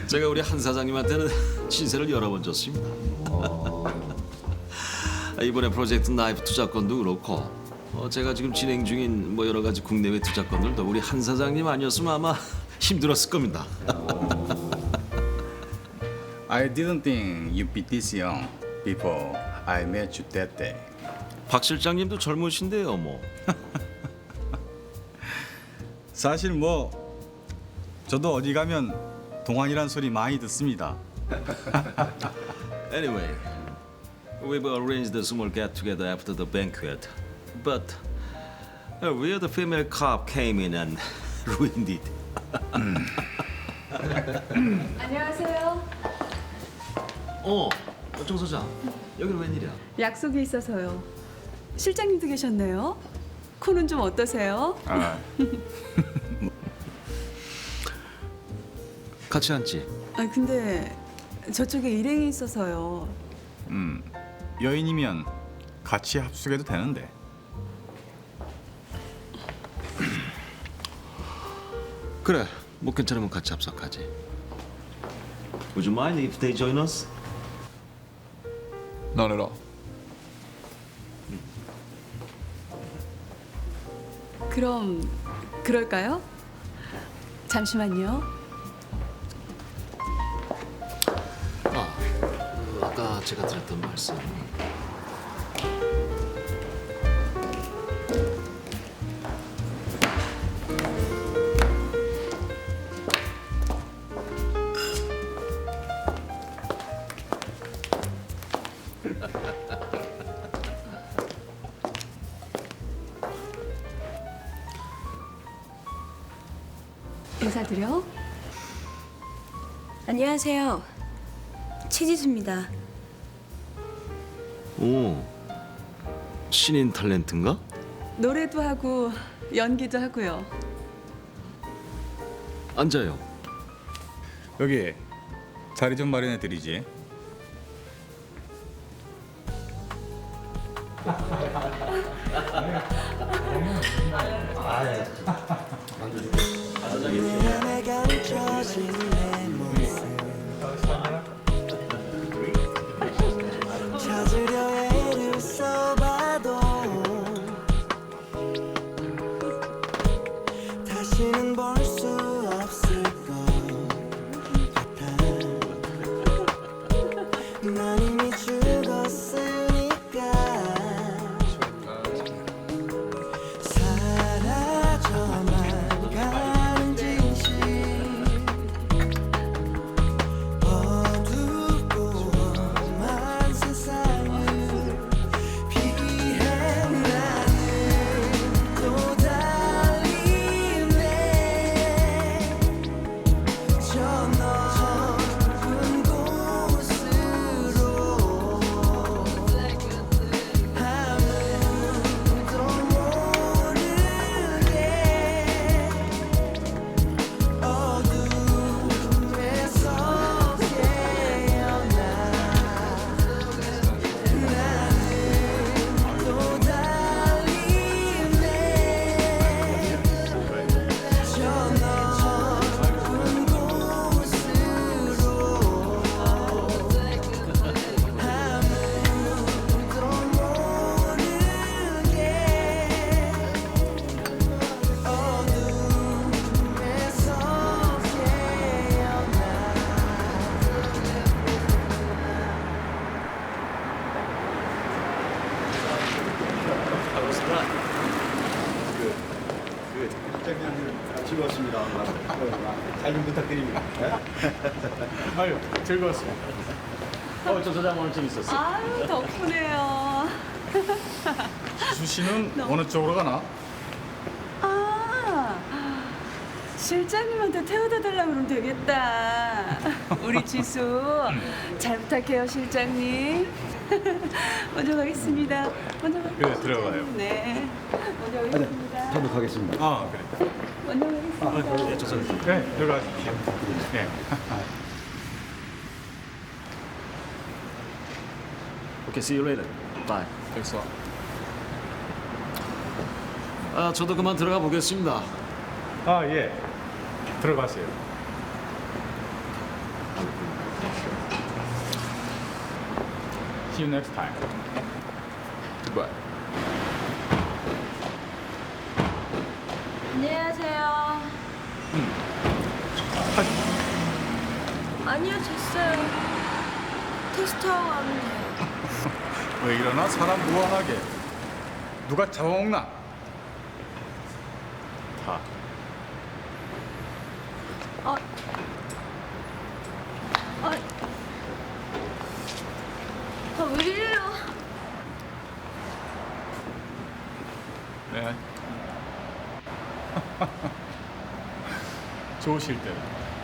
제가 우리 한 사장님한테는 신세를 여러 번 졌습니다. 이번에 프로젝트 나이프 투자건도 그렇고 제가 지금 진행 중인 뭐 여러 가지 국내외 투자건들도 우리 한 사장님 아니었으면 아마 힘들었을 겁니다. I didn't think you'd be this young before I met you that day. 박 실장님도 젊으신데요, 뭐. 사실 뭐 저도 어디 가면 동안이란 소리 많이 듣습니다. Anyway, we've arranged a small get-together after the banquet, but a weird female cop came in and ruined it. 안녕하세요. 정 소장, 여기는 웬일이야? 약속이 있어서요. 실장님도 계셨네요. 코는 좀 어떠세요? 아, 같이 앉지. 아 근데 저쪽에 일행이 있어서요. 여인이면 같이 합숙해도 되는데. 그래, 뭐 괜찮으면 같이 합석하지. Would you mind if they join us? Not at all. 그럼 그럴까요? 잠시만요. 아까 제가 드렸던 말씀. 인사드려. 안녕하세요. 최지수입니다. 오, 신인 탤런트인가? 노래도 하고 연기도 하고요. 앉아요. 여기 자리 좀 마련해 드리지. 내가 멈춰진 내 모습 찾으려 애를 써봐도 다시는 볼 수 없을 것 같아. 난 이미 죽었으니까 사라져만 가는 진실 어둡고 험한 세상을 피해 나는 또 달리네 저 넓은 곳으로 아무도 모르게 어둠에서 깨어나 나는 또 달리네 저 넓은 곳으로 아무도 모르게 어둠에서 깨어나 즐거웠습니다. 잘 좀 부탁드립니다. 아유, 즐거웠습니다. 정 소장 오늘 재밌었어. 아유 덕분에요. 지수 씨는 어느 쪽으로 가나? 아 실장님한테 태워다 달라고 그러면 되겠다. 우리 지수 잘 부탁해요 실장님. 먼저 가겠습니다. 먼저 가겠습니다. 그래, 들어가요. 네. 먼저 가겠습니다. 저도 가겠습니다. 아, 그래. 먼저 가겠습니다. 네, 들어가십시오. 네. Okay, see you later. Bye. Thanks a lot. 저도 그만 들어가 보겠습니다. 아, 예. 들어가세요. See you next time. Goodbye. 안녕하세요. 아니요, 됐어요. 택시 타고 가면 돼요. 왜 이러나 사람 무한하게 누가 잡아먹나? 다. 아, 왜 이래요? 네. 좋으실 때.